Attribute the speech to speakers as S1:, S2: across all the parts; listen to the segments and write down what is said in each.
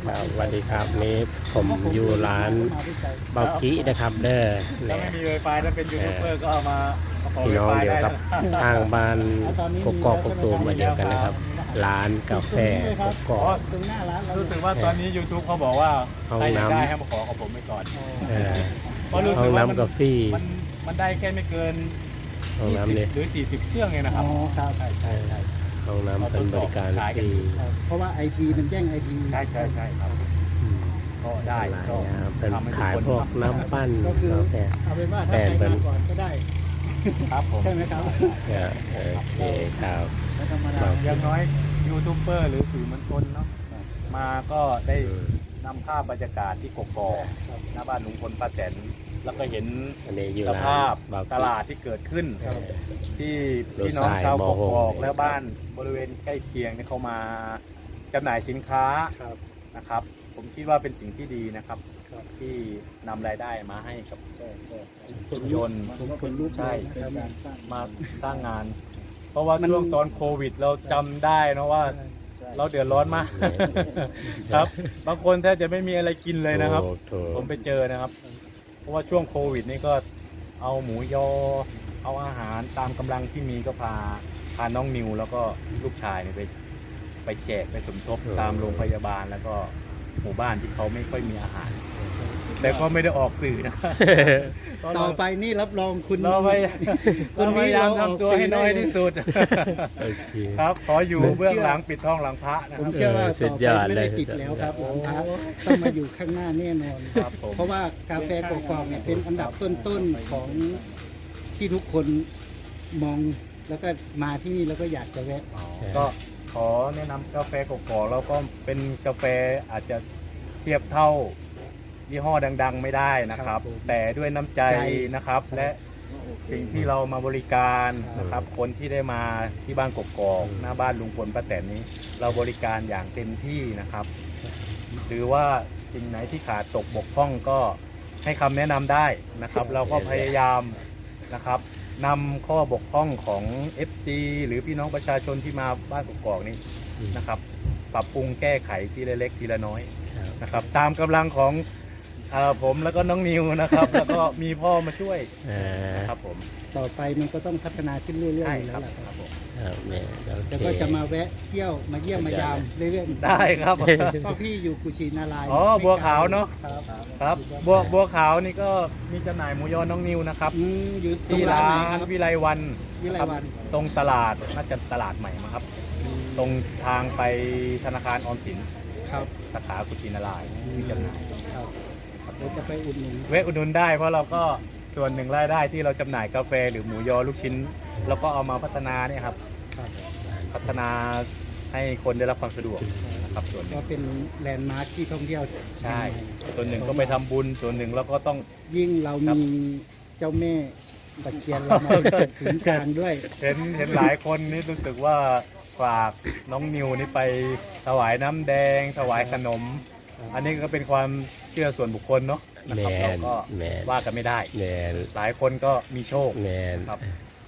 S1: ครับสวัสดีครับนี่ผมอยู่ร้านเบากินะครับเด้อ
S2: ถ้า
S1: เนี่ย
S2: ไม่มี Wi-Fi ถ้าเป็นยูทูบเบอร์ก็เอามาขอ
S1: พี่น้อง
S2: Wi-Fi
S1: เดียว
S2: ได้
S1: ครับทางบ้านกกอกกตูมมาเดียวกันนะครับร้านกาแฟกกอก
S3: ตรงหน้าร้านเรา
S2: รู้สึกว่าตอนนี้ YouTube เขาบอกว่า
S1: ห้อง
S2: ใครอยาก
S1: น้ำ
S2: ได้ให้มาขอกับผมไปก่อน
S1: เออ
S2: เพราะรู้
S1: ห้อ
S2: สึ
S1: ง
S2: กว่า
S1: น้ำกาแฟ
S2: มันได้แค่ไม่เกิน
S1: ห้องน้ำเนี่ย
S2: 20หรือ40เครื่องเองนะครับ
S3: อ๋อครับ
S2: ใช่ใช่ใช่
S1: ห้องน้ำเป็นบริการฟรี
S3: เพราะว่า IP มันแย่ง IP
S2: ใช่ใช่ใช่ครับ
S1: อืม
S2: ก็ได้
S1: หลาย
S2: ก็
S1: อย่างเป็น
S2: ทำให้ทุ
S1: ขาย
S2: คน
S1: พวกน้ำปั้น
S3: ก็คือก
S1: าแฟ
S3: เอาเป็นว่าถ้าใครมาก่อนก็ได้
S2: ครับผม
S3: ใช่ไหมครับ
S1: โอเคครับ
S3: แล้วธรรมดา
S2: อย่างน้อยยูทูบเบอร์หรือสื่อมวลชนเนาะมาก็ได้นำภาพบรรยากาศที่กกอกหน้าบ้านลุงพลป้าแตนแล้วก็เห็น
S1: อันนี้อยู่
S2: ส
S1: ร้าน
S2: ภาพ
S1: เบากิ
S2: ตลาดที่เกิดขึ้น
S1: เออ
S2: ที่พี่น้องชาวก
S1: รถสายม
S2: ก
S1: ห
S2: อก
S1: ก
S2: และบ้านบริเวณใกล้เคียงเนี่ยเขามาจำหน่ายสินค้า
S3: ครับ
S2: นะครับ ผมคิดว่าเป็นสิ่งที่ดีนะครับ
S3: ครับ
S2: ที่นำรายได้มาให้กับ
S3: คนลุก
S2: ชน
S3: ผมคนลุก
S2: ใช่
S3: เป็นการสร้าง
S2: มาสร้างงาน เพราะว่า
S3: มัน
S2: ช่วงตอนโควิด เราจำได้นะว่า เราเดือดร้อนมาก ครับ บางคนแทบจะไม่มีอะไรกินเลยนะครับ
S1: ถูก
S2: ผมไปเจอนะครับ เพราะว่าช่วงโควิดนี่ก็เอาหมูยอ เอาอาหารตามกำลังที่มีก็พาน้องนิว แล้วก็ลูกชายเนี่ยไปแจกไปสมทบตามโรงพยาบาลแล้วก็หมู่บ้านที่เขาไม่ค่อยมีอาหาร แต่ก็ไม่ได้ออกสื่อนะ
S3: ต่อไปนี่รับรองคุณ
S2: เราพยายาม
S3: คุณ
S2: เราพยายามทำตัวให้น้อยที่สุด
S1: โอเค
S2: ครับ ขออยู่เบื้องหลังปิดท้องหลังพระนะค
S3: ผม
S2: รับ
S3: เชื่อว่า
S1: สุ
S3: ต่
S1: ด
S3: อย
S1: อ
S3: ไป
S1: ด
S3: ไม่
S1: เล
S3: ได้
S1: ย
S3: ปิดแล้วครับ
S2: โอ้
S3: หลังพระต้องมาอยู่ข้างหน้าแน่นอน
S2: ครับผม
S3: เพราะว่ากาแฟกอกๆเนี่ยเป็นอันดับต้นๆของที่ทุกคนมองแล้วก็มาที่นี่แล้วก็อยากจะแวะ
S2: ก็ขอแนะนำกาแฟกอกๆแล้วก็เป็นกาแฟอาจจะเทียบเท่ายี่ห้อดัง ๆ ไม่ได้นะค
S3: ครั
S2: รั
S3: บบ ผม
S2: แต่ด้วยน้ำใจ
S3: ใจ
S2: นะครับ และสิ่งที่เรามาบริการนะครับ คนที่ได้มาที่บ้านกอกๆหน้าบ้านลุงพลป้าแตนนี้ เราบริการอย่างเต็มที่นะครับ หรือว่าสิ่งไหนที่ขาดตกบกพร่องก็ให้คำแนะนำได้นะครับ เราก็พยายามนะครับนำข้อบกพร่องของ FC หรือพี่น้องประชาชนที่มาบ้านกอกๆนี้นะครับ ปรับปรุงแก้ไขทีละเล็กทีละน้อยนะครับ ตามกำลังของผมแล้วก็น้องนิวนะครับ แล้วก็มีพ่อมาช่วย นะครับผม
S3: ต่อไปมันก็ต้องพัฒนาขึ้นเรื่อยๆ
S2: ใช่
S3: อยู่
S2: ค
S3: แล้
S2: รั
S3: ว
S2: บ
S3: ล่ะครับ
S2: ครับผม
S1: เนี่ยโอเค
S3: แล้วก็จะมาแวะเที่ยวมาเยี่ยมมายามเรื่อยๆ
S2: ได้ครับ
S3: ก็พี่อยู่กุชินารายณ์
S2: อ๋อบัวขาวเนอะ
S3: ครับ
S2: ครับบัวขาวนี่ก็มีจำหน่ายหมูยอน้องนิวนะครับ
S3: อยู่ตรง
S2: ที่
S3: ร้า
S2: ร้าน
S3: ไหนครับ
S2: นวิไลวัน
S3: วิไลวัน
S2: ครับตรงตลาดน่าจะตลาดใหม่มั้งครับ ตรงทางไปธนาคารออมสิน
S3: ครับ
S2: สาขากุชินารายณ์มีจำหน่าย
S3: ครับเดี๋ยวจะไปอุดหนุน
S2: แวะอุดหนุนได้เพราะเราก็ส่วนหนึ่งรายได้ที่เราจำหน่ายกาแฟหรือหมูยอลูกชิ้นเราก็เอามาพัฒนาเนี่ยครับ
S3: ครับ
S2: พัฒนาให้คนได้รับความสะดวกนะครับส่วนหนึ่
S3: ก็
S2: ง
S3: เป็นแลนด์มาร์คที่ท่องเที่ยว
S2: ใช่ ส่วนหนึ่งก็ไปทำบุญส่วนหนึ่งเราก็ต้อง
S3: ยิ่งเรามีเจ้าแม่ตะเคียนเรามาเป็นศูนย์กลางด้วย
S2: เห็นหลายคนนี่รู้สึกว่าฝากน้องนิวนี่ไปถวายน้ำแดง ถวายขนม อันนี้ก็เป็นความเชื่อส่วนบุคคลเนาะนะ
S1: แม
S2: ครับเรา
S1: น
S2: ก็
S1: แมน
S2: ว่ากันไม่ได้
S1: แมน
S2: หลายคนก็มีโชค
S1: แมน
S2: ครับ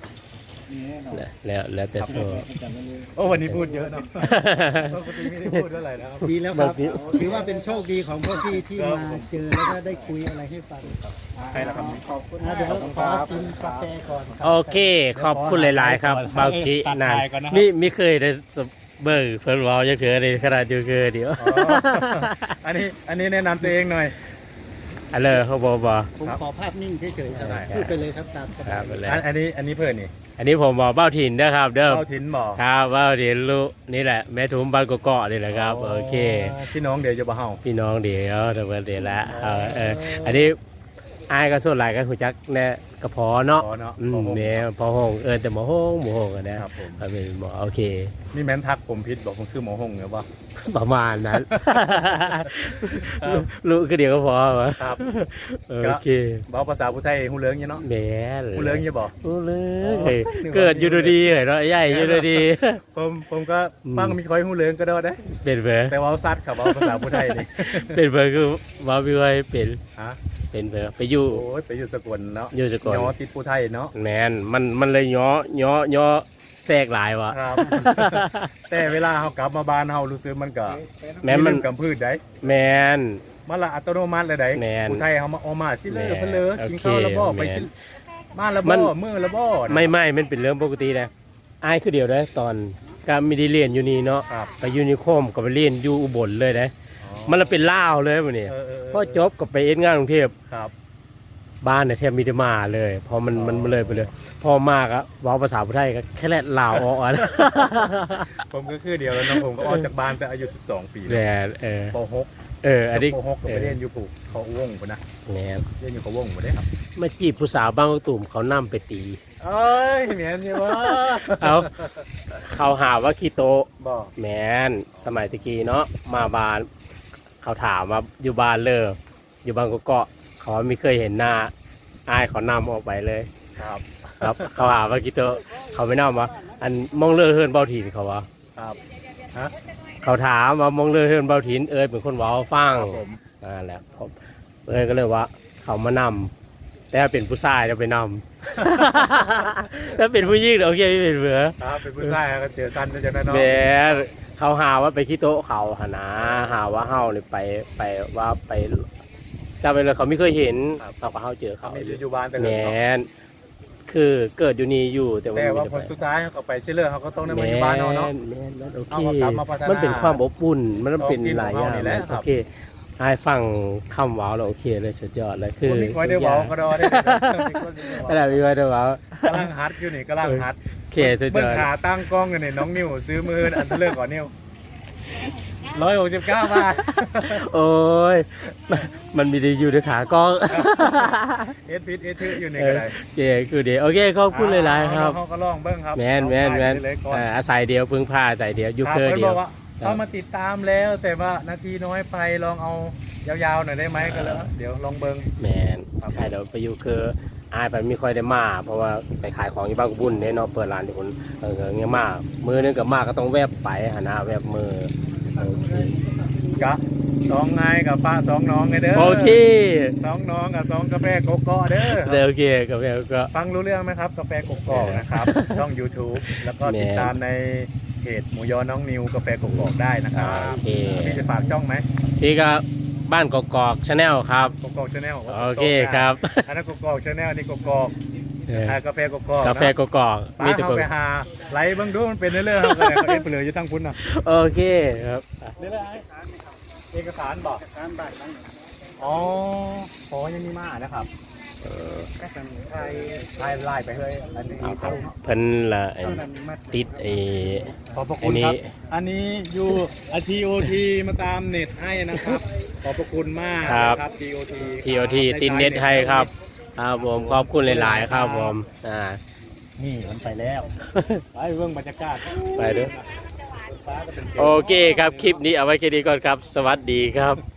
S1: แล้วแต่โซ่
S2: โอ้วันนี้พูดเยอะเนาะปกติไม่ได้พูดเท่าไหร่นะครับ
S3: ดีแล้วครับ
S1: แบบนี้
S3: ถือว่าเป็นโชคดีของพวกพี่ที่มาเจอแล้วก็ได้คุยอะไรให้ฟัง
S2: ใครล่ะครับ
S3: เดี๋ยวขอกินกาแฟก่อนครับ
S1: โอเค ขอบคุณหลาย ๆ ครับเบากิ
S2: ตัด
S1: นั่น
S2: ท้ายก่อนนะครับ
S1: มีเคยได้เบิร์เพิ่นเว้าจังเถื่อนี่ขนาดอยู่คือเดียว
S2: อ๋ออันนี้แนะนำตัวเองหน่อย
S1: อันเลยเขาบอกบ่
S3: ผม
S2: ครับ
S3: ขอภาพนิ่งเฉยๆครับ
S2: ได้
S3: พูดไปเลยครับตามส
S1: ครับ
S3: าย
S1: ไปเลย
S2: อันนี้เพื่อนนี่
S1: อันนี้ผมบอกเบ้าถิ่นนะครับเด้อ
S2: เข้าถิ่นบ่
S1: ครับเบ้าถิ่นลูกนี่แหละแม่ทุมบ้านกเกาะนี่แหละครับโอเค
S2: พี่น้องเดี๋ยวจะบ่เฮา
S1: พี่น้องเดี๋ยวเดี๋ยวเดี๋ยวละอันนี้อายก็ส่วนหลายก็หูจักแน่กระเพาะเนาะ
S2: อ๋อเนาะ
S1: แม่พอห้องแต่หมอห้องกันนะครับ
S2: ผม
S1: เป็นหมอโอเค
S2: นี่แม่นทักผมพิษบอกมันคือหมอหงเหรอวะ
S1: ประมาณนั้น
S2: ครับ
S1: รู้ก็เดี๋ยวก็พอวะ
S2: ครับ
S1: โอเค
S2: บอกภาษาผู้ไทยฮู้เรื่องอยู่เนาะ
S1: แหม่
S2: ฮู้เรื่องอยู่บ่
S1: ฮู้เรื่อง
S2: อ๋อ
S1: เฮ้ย
S2: นึกว่า
S1: เกิดอยู่ดีๆเหรอเนาะใหญ่อยู่ดี
S2: ผมก็ฟังมีคอยฮู้เรื่องก็ได้เด้
S1: เป็นเบอร์
S2: แต่ว่าซัดครับว่าภาษาผู้ไทยนี่
S1: เป็นเบอร์คือว่าพี่ไว้เป็น
S2: ฮะ
S1: เป็นเบอร์ไปอยู่
S2: โอ้ยไปอยู่สกลเนาะ
S1: อยู่สกล
S2: ย้อติดผู้ไทยเนาะ
S1: แมนมันเลยย่อแทรกหลายวะ
S2: ครับ แต่เวลาเขากลับมาบ้านเขารู้สึกมันก็
S1: แม้มัน
S2: กับพืชได้
S1: แมน
S2: มันละอัตโนมัติเลยได้
S1: แม่น
S2: ผู้ไทยเขามาเอามาสิเลย
S1: แม่น
S2: เพิ่นเลย
S1: โอเค
S2: กินข้าวแล้วบ่ไปสิ
S1: แม่น
S2: มาแล้ว
S1: มั
S2: บ่
S1: น
S2: มื้อแล้วบ่
S1: ไม่มันเป็นเรื่องปกตินะอายคือเดียวได้ตอนก็ไม่ได้เรียนอยู่นี่เนาะ
S2: ครับ
S1: ไปยูนิโคมก็ไปเรียนอยู่อุบลเลยนะ
S2: อ๋อ
S1: มันละเป็นล่าวเลยวันนี้ พอจบก็ไปเอ็นงานกรุงเทพ
S2: ครับ
S1: บ้านเนี่ยแทบมีแต่มาเลยพอมันเลยไปเลย พอมากอะเว้าภาษาพุทธไทยก็แค่แลดลาวออกอ่ะ
S2: ผมก็คือเดียวแล้วเนาะผมก็ออกจากบ้านแต่อายุ12 ปี
S1: แต่
S2: ป
S1: อันนี้
S2: .6 ป .6 ก็ไปเรียนอยู่ปู่เขาวงพุ่นนะ
S1: แหม
S2: เรียนอยู่เขาวงบ่ได้ครับ
S1: มาจีบผู้สาวบางกอกตุ่มเขานํไปตี
S2: เอ้ยแม่นอยู่ว่า
S1: เขาหาว่าขี้โตะ
S2: บ่
S1: แมนสมัยตะกี้เนาะมาบ้าน เขาถามว่าอยู่บ้านเลยอยู่บางกอกเกาะเขาไม่เคยเห็นหน้าอายเขานำออกไปเลย
S2: ครับ
S1: ครับ เขาหาว่าขี้โตะเขาไม่นำวะอันมองเลือเฮือนเบาถิ่นเขาวะ
S2: ครับฮะ
S1: เขาถามว่ามองเลือเฮือนเบาถิ่นเป็นคนเว้าฟัง
S2: ครับผม
S1: นั่นแหละผมก็เลยว่า เขามานำแต่ถ้าเป็นผู้ชายจะไปนำ ถ้าเป็นผู้หญิงโอเคไม่เป็นเบือ
S2: ครับเป็นผู้ชายก็เจอสั้นจังนั้นเนาะ
S1: แหมเขาหาว่าไปขี้โต๊ะเขาหานะหาว่าเฮาเนี่ยไปว่าไปจำไปเลยเขาไม่เคยเห็นเราก็เฮาเจอ
S2: เขา
S1: เขา
S2: มีอยู่บ้านแต่
S1: แหม
S2: เลิกเนาะ
S1: คือเกิดอยู่นี่อยู่แต่ว่า
S2: แต่ว่า
S1: ไม่
S2: ผ
S1: ได้
S2: ล
S1: ไป
S2: สุดท้ายเขาไปซิเลอร์เขาก็ต้องได้
S1: แหม
S2: มาอยู่บ้านเนาะเนาะ
S1: แหมแล้วโอเค
S2: เอามากลับมาพัฒนามั
S1: มันเป็นความอบอุ่นมันเป็นหลายอย่าง
S2: ของที่ของเรานี่แหละครั
S1: โอบ เคไอ้ฟังคำว้าวแล้วโอเคเลยสุดยอดเลยคือ
S2: คนมีคอยได้เว้าก็ได้
S1: อะไรมีไว้ด้วยว้าว
S2: กำลังฮัดอยู่นี่กำลังฮัด
S1: โอเคสุดย
S2: เบิ่ง
S1: อด
S2: ขาตั้งกล้องอยู่นี่น้องนิวซื้อมืออันเลิกก่อนนิว169 บาท
S1: โอ้ยมันมีดีอยู่ในขากล้อง
S2: เอสพิษเอสทึอยู่นี่
S1: เอ
S2: ก็
S1: อ
S2: ได้
S1: เจ๊คือเดียวโอเคขอบคุณหลายๆครับ
S2: เขาก็ลองเบิ่งครับ
S1: แมน
S2: เลยก่อน
S1: อาศัยเดียวพึ่งพาอาศัยเดียวอยู
S2: ครับ
S1: เคอ
S2: เพิ่น
S1: เดี
S2: บ
S1: ย
S2: อ
S1: ว
S2: กว่าเขามาติดตามแล้วแต่ว่านาทีน้อยไปลองเอายาวๆหน่อยได้ไหมก็เลยเดี๋ยวลองเบิ่ง
S1: แมนใครเดี๋ยวไปอยูเคออายไปไม่ค่อยได้มาเพราะว่าไปขายของที่บ้านกุบุญเนี่ยเนาะเปิดร้านที่คนเงี้ยมากมือนึงกับมากก็ต้องแวบไปหาหน้าแวบมือโอเค
S2: กะสองไงกับฟ้าสองน้องไงเด้อ
S1: โอเค
S2: สองน้องกับสองกาแฟโกโก้เด้อ
S1: เดี๋ยวโอเคกับแล้วก็
S2: ฟังรู้เรื่องไหมครับกาแฟโกโก้นะครับ ช่อง YouTube แล้วก็ติดตามในเพจหมูยอน้องนิวกาแฟโกโก้ได้นะครับ
S1: โอเค
S2: พี่จะฝากช่องไหม
S1: พี่ก็บ้านกอกชาแนลครับ
S2: โกโก้ชาแนล
S1: โอเคครับ
S2: อันนั้นโกโก้ชาแนลนี่โกโก้
S1: เออก
S2: าแฟโกโก้
S1: กาแฟกอก
S2: ป้า
S1: มีแต่
S2: เขา
S1: คน
S2: ไปหาไลฟ์เบิ่งดูมันเป็นเรื่องๆเขาเลยเขาเอ็นไปเลยอยู่ทั้งคุณน่ะ
S1: โอเคครับ
S2: เรื่องอะไรเอกสารบอกอ๋อขอยังมีมานะครับ
S3: ไทย
S2: ไล่ไปเฮ้ยอันนี้
S1: เอาครับเพิ่นละไอ้ติดไอ้
S2: ขอบพระคุณครับ อันนี้อยู่TOT มาตามเน็ตให้นะครับ ขอบพระคุณมากนะครับ TOT
S1: ทีโอทีติดเน็ตให้ครับครับผมขอบคุณหลายๆครับผม
S2: นี่มันไปแล้ว ไปเรื่องบรรยากาศ
S1: ไปด้วยโอเคครับคลิปนี้เอาไว้แค่นี้ก่อนครับ สวัสดีครับ